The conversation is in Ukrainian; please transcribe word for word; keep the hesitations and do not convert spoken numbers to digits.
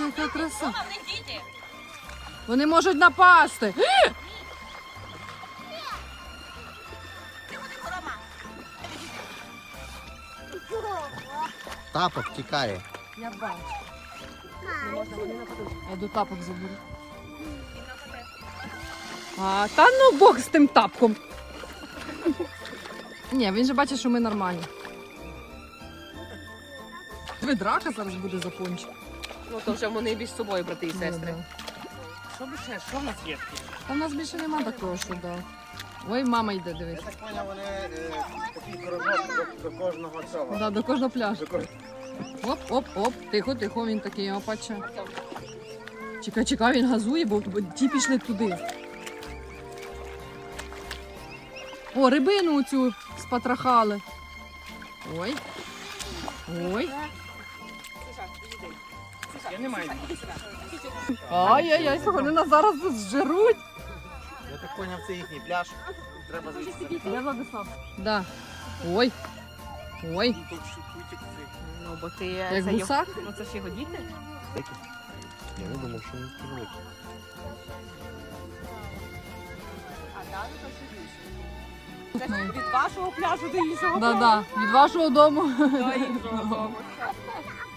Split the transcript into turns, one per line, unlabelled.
Дивіться, яка краса. Вони можуть напасти.
Тапок тікає.
Я бачу. Я до тапок заберу. А, та ну Бог з тим тапком. Ні, він же бачить, що ми нормальні. Ви драка зараз буде за пончик.
Ну то вже вони між собою, брати і сестри.
Ну,
Що б ще? Що в нас є?
та в нас більше нема такого, що да. Ой, мама йде, дивись.
Я так поняв, вони е, такий кружок до, до кожного цього.
Да, до кожного пляжу.
До кож-
Оп, оп, оп. Тихо, тихо, він такий опаче. Чекай, чекай, він газує, бо бо ті пішли туди. О, рибину цю спатрахали. Ой. Ой.
Я не маю.
Ай-яй-яй, вони нас зараз тут зжируть.
Я так поняв, це їхній пляж. Треба звідси.
Я Владислав. Да. Ой. Ой.
Ну, бо ти...
Як
це
гусак?
його- Ну це ж його діти?
Я не думав, що він великий.
А далі то ще більше. Це ж від вашого пляжу до іншого
Да-да, від вашого дому.
до іншого дому.